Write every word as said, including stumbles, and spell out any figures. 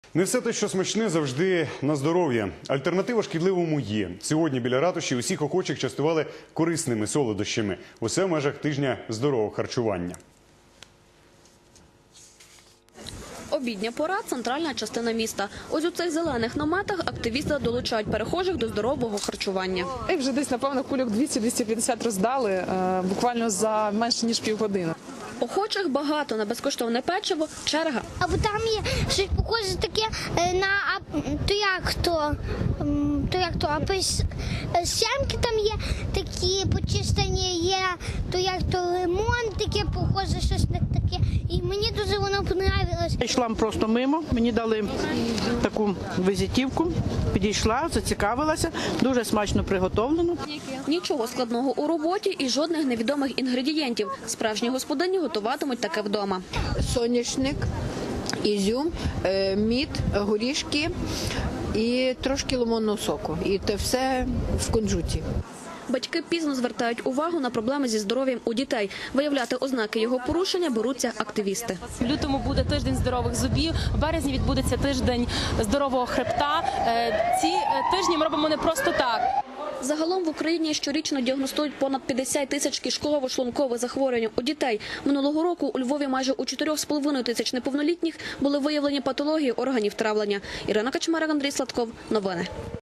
Не все те, що смачне, завжди на здоров'я. Альтернатива шкідливому є. Сьогодні біля ратуші усіх охочих частували корисними солодощами. Усе в межах тижня здорового харчування. Обідня пора – центральна частина міста. Ось у цих зелених наметах активісти долучають перехожих до здорового харчування. І вже десь, напевно, кульок двісті - двісті п'ятдесят роздали е, буквально за менше ніж півгодини. Охочих багато, на безкоштовне печиво – черга. Або там є щось похоже таке на, то як то, то як то, сямки там є, такі почистені є, то як то лимон, таке похоже, щось на таке. І мені дуже воно понравилось. Я йшла просто мимо, мені дали таку візитівку, підійшла, зацікавилася, дуже смачно приготовлено. Нічого складного у роботі і жодних невідомих інгредієнтів. Справжні господині готуватимуть таке вдома. Соняшник, ізюм, мід, горішки і трошки лимонного соку. І це все в кунжуті. Батьки пізно звертають увагу на проблеми зі здоров'ям у дітей. Виявляти ознаки його порушення беруться активісти. В лютому буде тиждень здорових зубів, в березні відбудеться тиждень здорового хребта. Ці тижні ми робимо не просто так. Загалом в Україні щорічно діагностують понад п'ятдесят тисяч кишково-шлункових захворювань у дітей. Минулого року у Львові майже у чотирьох з половиною тисяч неповнолітніх були виявлені патології органів травлення. Ірина Качмарик, Андрій Сладков. Новини.